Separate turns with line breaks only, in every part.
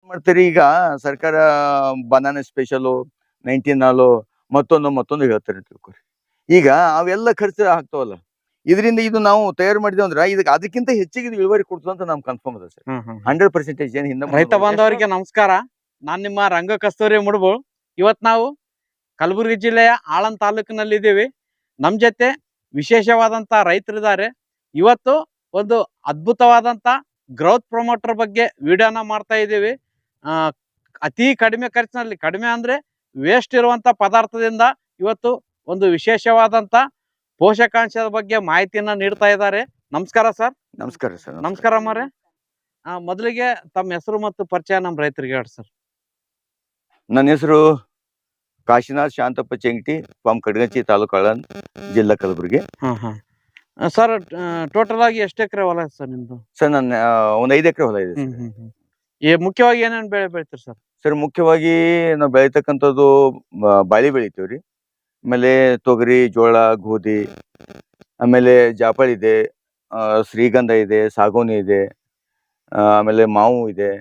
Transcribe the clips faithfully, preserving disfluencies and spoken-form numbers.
ಮಾಡ್ತೀರಿ ಈಗ ಸರ್ಕಾರ ಬನಾನಾ ಸ್ಪೆಷಲು ನೈನ್ಟೀನ್ ಹಾಲು ಮತ್ತೊಂದು ಮತ್ತೊಂದು ಹೇಳ್ತಾರೆ ತಿಳ್ಕೊರಿ. ಈಗ ಅವೆಲ್ಲ ಖರ್ಚು ಆಗ್ತಾವಲ್ಲ, ಇದರಿಂದ ಇದು ನಾವು ತಯಾರು ಮಾಡಿದೇವ್ ಅಂದ್ರ ಇದಕ್ಕೆ ಅದಕ್ಕಿಂತ ಹೆಚ್ಚಿಗೆ ಇದು ಇಳುವರಿ ಕೊಡ್ತದೆ ಅಂತ ನಮ್ ಕನ್ಫರ್ಮ್ ಅದ sir.
Hmm hmm
hundred percentage ಏನ್ ಹಿಂದೆ
ರೈತ ಬಾಂಧವರಿಗೆ ನಮಸ್ಕಾರ. ನಾನ್ ನಿಮ್ಮ ರಂಗ ಕಸ್ತೂರಿ ಮುಡ್ಬು. ಇವತ್ ನಾವು ಕಲಬುರಗಿ ಜಿಲ್ಲೆಯ ಆಳಂದ್ ತಾಲೂಕಿನಲ್ಲಿ ಇದ್ದೀವಿ. ನಮ್ ಜೊತೆ ವಿಶೇಷವಾದಂತ ರೈತರಿದ್ದಾರೆ. ಇವತ್ತು ಒಂದು ಅದ್ಭುತವಾದಂತ ಗ್ರೋತ್ ಪ್ರಮೋಟರ್ ಬಗ್ಗೆ ವಿಡಿಯೋನ ಮಾಡ್ತಾ ಇದ್ದೀವಿ. ಆ ಅತಿ ಕಡಿಮೆ ಖರ್ಚಿನಲ್ಲಿ, ಕಡಿಮೆ ಅಂದ್ರೆ ವೇಸ್ಟ್ ಇರುವಂತ ಪದಾರ್ಥದಿಂದ ಇವತ್ತು ಒಂದು ವಿಶೇಷವಾದಂತ ಪೋಷಕಾಂಶದ ಬಗ್ಗೆ ಮಾಹಿತಿಯನ್ನ ನೀಡ್ತಾ ಇದ್ದಾರೆ. ನಮಸ್ಕಾರ ಸರ್.
ನಮಸ್ಕಾರ ಸರ್.
ನಮಸ್ಕಾರ ಅಮ್ಮರೇ. ಆ ಮೊದಲಿಗೆ ತಮ್ಮ ಹೆಸರು ಮತ್ತು ಪರಿಚಯ ನಮ್ಮ ರೈತರಿಗೆ ಹೇಳಿ ಸರ್.
ನನ್ನ ಹೆಸರು ಕಾಶಿನಾಥ್ ಶಾಂತಪ್ಪ ಚೆಂಗಟಿ, ಫ್ರಮ್ ಕಡಗಂಚಿ ತಾಲೂಕು ಆಳಂದ್, ಜಿಲ್ಲಾ ಕಲಬುರಗಿ.
ಹಾ ಹಾ ಸರ್, ಟೋಟಲ್ ಆಗಿ ಎಷ್ಟು ಎಕರೆ ಹೊಲ ಇದೆ ಸರ್ ನಿಮ್ದು?
ಸರ್ ನನ್ನ ಒಂದ್ ಐದು ಎಕರೆ ಹೊಲ ಇದೆ.
ಹ್ಮ್ ಹ್ಮ್ ಹ್ಮ್ ಏ ಮುಖ್ಯವಾಗಿ ಏನೇನು ಬೆಳೆ ಬೆಳಿತೀರಿ ಸರ್?
ಸರ್ ಮುಖ್ಯವಾಗಿ ನಾವು ಬೆಳಿತಕ್ಕಂಥದ್ದು ಬಾಳಿ ಬೆಳಿತೀವ್ರಿ. ಆಮೇಲೆ ತೊಗರಿ, ಜೋಳ, ಗೋಧಿ, ಆಮೇಲೆ ಜಾಪಳ ಇದೆ, ಶ್ರೀಗಂಧ ಇದೆ, ಸಾಗೋನಿ ಇದೆ, ಆಮೇಲೆ ಮಾವು ಇದೆ.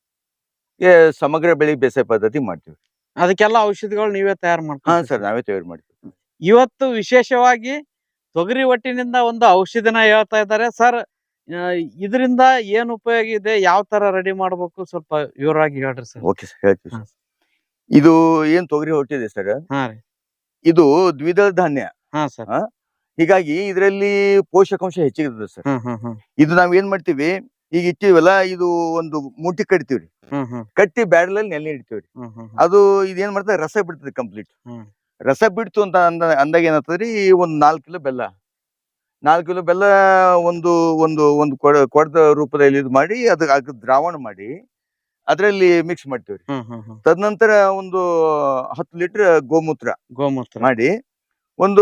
ಸಮಗ್ರ ಬೆಳೆ ಬೇಸಾಯ ಪದ್ಧತಿ ಮಾಡ್ತೀವಿ.
ಅದಕ್ಕೆಲ್ಲ ಔಷಧಿಗಳು ನೀವೇ ತಯಾರು
ಹಾ
ಮಾಡ್ತೀವಿ?
ಸರ್, ನಾವೇ ತಯಾರು ಮಾಡ್ತೀವಿ.
ಇವತ್ತು ವಿಶೇಷವಾಗಿ ತೊಗರಿ ಒಟ್ಟಿನಿಂದ ಒಂದು ಔಷಧಿನ ಹೇಳ್ತಾ ಇದ್ದಾರೆ ಸರ್. ಇದರಿಂದ ಏನ್ ಉಪಯೋಗ ಇದೆ, ಯಾವ ತರ ರೆಡಿ ಮಾಡ್ಬೇಕು, ಸ್ವಲ್ಪ ವಿವರವಾಗಿ ಹೇಳ್ರಿ ಸರ್.
ಓಕೆ ಸರ್, ಹೇಳ್ತೀವಿ ಸರ್. ಇದು ಏನ್ ತೊಗರಿ ಹೊಟ್ಟಿದೆ ಸರ್,
ಹಾ ರೀ,
ಇದು ದ್ವಿದಳ ಧಾನ್ಯ.
ಹಾ ಸರ್.
ಹೀಗಾಗಿ ಇದರಲ್ಲಿ ಪೋಷಕಾಂಶ ಹೆಚ್ಚಿಗೆ ಸರ್.
ಹ್ಮ್ ಹ್ಮ್ ಹ್ಮ್
ಇದು ನಾವ್ ಏನ್ ಮಾಡ್ತೀವಿ, ಈಗ ಇಟ್ಟಿವಲ್ಲ, ಇದು ಒಂದು ಮುಟ್ಟಿ ಕಟ್ತೀವ್ರಿ.
ಹ್ಮ್ ಹ್ಮ್
ಕಟ್ಟಿ ಬ್ಯಾಡಲಲ್ಲಿ ನೆಲೆ ಇಡ್ತೀವ್ರಿ.
ಹ್ಮ್ ಹ್ಮ್
ಅದು ಇದೇನ್ ಮಾಡ್ತದೆ, ರಸ ಬಿಡ್ತದೆ ಕಂಪ್ಲೀಟ್.
ಹ್ಮ್
ರಸ ಬಿಡ್ತು ಅಂತ ಅಂದ ಅಂದಾಗ ಏನಾಗ್ತದ್ರಿ, ಒಂದ್ ನಾಲ್ಕು ಕಿಲೋ ಬೆಲ್ಲ ನಾಲ್ಕು ಕಿಲೋ ಬೆಲ್ಲ ಒಂದು ಒಂದು ಒಂದು ಕೊಡ ಕೊಡದ ರೂಪದಲ್ಲಿ ಇದು ಮಾಡಿ ಅದಕ್ಕೆ ದ್ರಾವಣ ಮಾಡಿ ಅದ್ರಲ್ಲಿ ಮಿಕ್ಸ್ ಮಾಡ್ತೀವ್ರಿ.
ಹ್ಮ್ ಹ್ಮ್ ಹ್ಮ್
ತದನಂತರ ಒಂದು ಹತ್ತು ಲೀಟರ್ ಗೋಮೂತ್ರ
ಗೋಮೂತ್ರ
ಮಾಡಿ ಒಂದು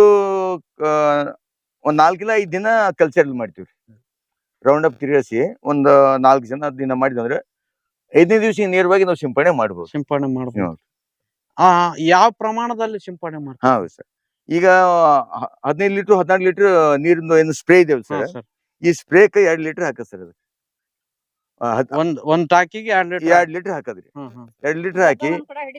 ಒಂದ್ ನಾಲ್ಕು ಕಿಲೋ ಐದ್ ದಿನ ಕಲ್ಚರ್ ಮಾಡ್ತೀವ್ರಿ. ರೌಂಡ್ ಅಪ್ ತಿರುಗಿಸಿ ಒಂದ್ ನಾಲ್ಕು ಜನ ದಿನ ಮಾಡಿದಂದ್ರೆ ಐದನೇ ದಿವಸ ನೇರವಾಗಿ ನಾವು ಸಿಂಪಡಣೆ ಮಾಡ್ಬೋದು.
ಸಿಂಪಡಣೆ ಮಾಡ್ಬೋದು. ಆ ಯಾವ ಪ್ರಮಾಣದಲ್ಲಿ ಸಿಂಪಡಣೆ ಮಾಡ್ತೀವಿ?
ಹೌದು ಸರ್. ಈಗ ಹದಿನೈದು ಲೀಟರ್ ಹದಿನಾರು ಲೀಟರ್ ನೀರಿಂದು ಏನು ಸ್ಪ್ರೇ ಇದೇವ್ ಸರ್, ಈ ಸ್ಪ್ರೇಕ್ ಎರಡ್ ಲೀಟರ್ ಹಾಕದ್ ಸರ್. ಅದಕ್ಕೆ
ಒಂದ್ ಒಂದ್ ಟಾಕಿಗೆ ಎರಡ್ ಲೀಟರ್
ಎರಡ್ ಲೀಟರ್ ಹಾಕದ್ರಿ. ಎರಡ್ ಲೀಟರ್ ಹಾಕಿ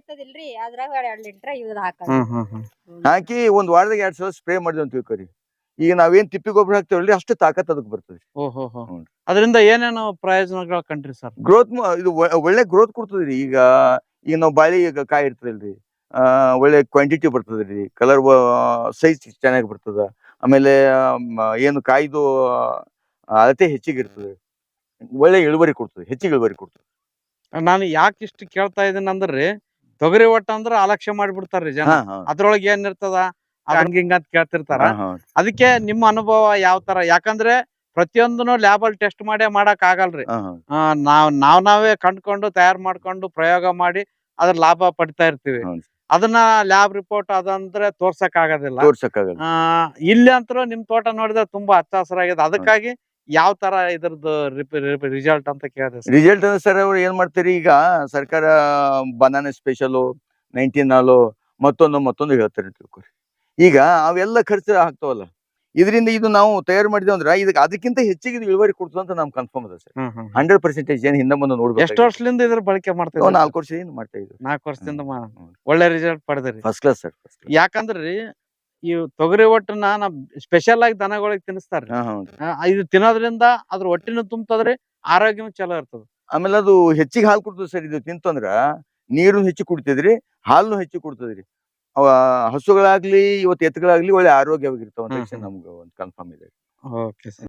ಹಾಕಿ ಒಂದ್ ವಾರದಾಗ ಎರಡ್ ಸಲ ಸ್ಪ್ರೇ ಮಾಡಿದ್ವಿ ಅಂತ ತಿಳ್ಕೊರಿ. ಈಗ ನಾವೇನ್ ತಿಪ್ಪಿ ಗೊಬ್ಬರ ಹಾಕ್ತೇವಲ್ರಿ, ಅಷ್ಟು ತಾಕತ್ ಅದಕ್ಕೆ ಬರ್ತದೆ.
ಓಹೋ, ಅದರಿಂದ ಏನೇನು ಪ್ರಯೋಜನಗಳು ಕಂಡ್ರಿ ಸರ್?
ಗ್ರೋತ್ ಇದು ಒಳ್ಳೆ ಗ್ರೋತ್ ಕೊಡ್ತದ್ರಿ. ಈಗ ಈಗ ನಾವು ಬಾಳಿ ಈಗ ಕಾಯಿ ಇರ್ತದಲ್ರಿ, ಆ ಒಳ್ಳೆ ಕ್ವಾಂಟಿಟಿ ಬರ್ತದ್ರಿ, ಕಲರ್ ಸೈಜ್ ಚೆನ್ನಾಗಿ ಬರ್ತದ. ಆಮೇಲೆ ಏನು ಕಾಯ್ದು ಅಳತೆ ಹೆಚ್ಚಿಗೆ ಇರ್ತದೆ, ಒಳ್ಳೆ ಇಳುವರಿ ಕೊಡ್ತದೆ, ಹೆಚ್ಚಿಗೆ ಇಳುವರಿ ಕೊಡ್ತದೆ.
ನಾನು ಯಾಕೆ ಇಷ್ಟು ಕೇಳ್ತಾ ಇದೀನಿ ಅಂದ್ರಿ, ತೊಗರಿ ಒಟ್ಟ ಅಂದ್ರ ಅಲಕ್ಷ್ಯ ಮಾಡ್ಬಿಡ್ತಾರ್ರಿ ಜನ. ಅದ್ರೊಳಗೆ ಏನ್ ಇರ್ತದ ಹಂಗ ಹಿಂಗ ಅಂತ ಕೇಳ್ತಿರ್ತಾರ. ಅದಕ್ಕೆ ನಿಮ್ಮ ಅನುಭವ ಯಾವ ತರ? ಯಾಕಂದ್ರೆ ಪ್ರತಿಯೊಂದನು ಲ್ಯಾಬಲ್ ಟೆಸ್ಟ್ ಮಾಡೇ ಮಾಡಕ್ ಆಗಲ್ರಿ. ನಾವ್ ನಾವ್ ನಾವೇ ಕಂಡ್ಕೊಂಡು ತಯಾರು ಮಾಡ್ಕೊಂಡು ಪ್ರಯೋಗ ಮಾಡಿ ಅದ್ರ ಲಾಭ ಪಡಿತಾ ಇರ್ತೀವಿ. ಅದನ್ನ ಲ್ಯಾಬ್ ರಿಪೋರ್ಟ್ ಅದಂದ್ರೆ ತೋರ್ಸಕ್ ಆಗೋದಿಲ್ಲ. ಆ ಇಲ್ಲಿ ಅಂತೂ ನಿಮ್ ತೋಟ ನೋಡಿದ್ರೆ ತುಂಬಾ ಹಚ್ಚ ಹಸಿರಾಗಿದೆ. ಅದಕ್ಕಾಗಿ ಯಾವ ತರ ಇದ್ರದ್ದು ರಿಸಲ್ಟ್ ಅಂತ ಕೇಳಿದೆ.
ರಿಸಲ್ಟ್ ಅಂದ್ರೆ ಸರ್, ಅವ್ರು ಏನ್ ಮಾಡ್ತೀರಿ, ಈಗ ಸರ್ಕಾರ ಬನಾನಾ ಸ್ಪೆಷಲು ನೈನ್ಟೀನ್ ಹಾಲು ಮತ್ತೊಂದು ಮತ್ತೊಂದು ಹೇಳ್ತಾರೆ ತಿಳ್ಕೊರಿ. ಈಗ ಅವೆಲ್ಲ ಖರ್ಚು ಆಗ್ತಾವಲ್ಲ, ಇದರಿಂದ ಇದು ನಾವು ತಯಾರು ಮಾಡಿದೇವ್ ಅಂದ್ರ ಇದಕ್ಕೆ ಅದಕ್ಕಿಂತ ಹೆಚ್ಚಿಗೆ ಇದು ಇಳುವರಿ ಕೊಡ್ತದೆ ಅಂತ ನಮ್ ಕನ್ಫರ್ಮ್ ಅದ ಸರ್. ಹಂಡ್ರೆಡ್ ಪರ್ಸೆಂಟೇಜ್ ಏನ್ ಹಿಂದೆ ಮುಂದೆ ನೋಡ್ಬೇಕು.
ಎಷ್ಟು ವರ್ಷದಿಂದ ಇದ್ರ ಬಳಕೆ ಮಾಡ್ತಾ ಇದ್ದೀವಿ?
ನಾಲ್ಕು ವರ್ಷದಿಂದ ಮಾಡ್ತಾ ಇದ್ದೀವಿ.
ನಾಲ್ಕು ವರ್ಷದಿಂದ ಒಳ್ಳೆ ರಿಸಲ್ಟ್ ಪಡೆದ್ರಿ.
First class sir.
ಯಾಕಂದ್ರಿ ಈ ತೊಗರಿ ಒಟ್ಟನ್ನ ನಾ ಸ್ಪೆಷಲ್ ಆಗಿ ದನಗಳಿಗೆ ತಿನ್ನಿಸ್ತಾರ್ರಿ. ಇದು ತಿನ್ನೋದ್ರಿಂದ ಅದ್ರ ಹೊಟ್ಟಿನೂ ತುಂಬತದ್ರಿ, ಆರೋಗ್ಯನೂ ಚಲೋ ಇರ್ತದ.
ಆಮೇಲೆ ಅದು ಹೆಚ್ಚಿಗೆ ಹಾಲು ಕೊಡ್ತದೆ ಸರ್. ಇದು ತಿಂತಂದ್ರ ನೀರು ಹೆಚ್ಚು ಕುಡಿತದ್ರಿ, ಹಾಲು ಹೆಚ್ಚು ಕೊಡ್ತದ್ರಿ. ಅವ ಹಸುಗಳಾಗ್ಲಿ ಇವತ್ತು ಎತ್ತುಗಳಾಗ್ಲಿ ಒಳ್ಳೆ ಆರೋಗ್ಯವಾಗಿರ್ತಾವ ಅಂತ ನಮ್ಗೆ ಒಂದು ಕನ್ಫರ್ಮ್ ಇದೆ.
Okay sir.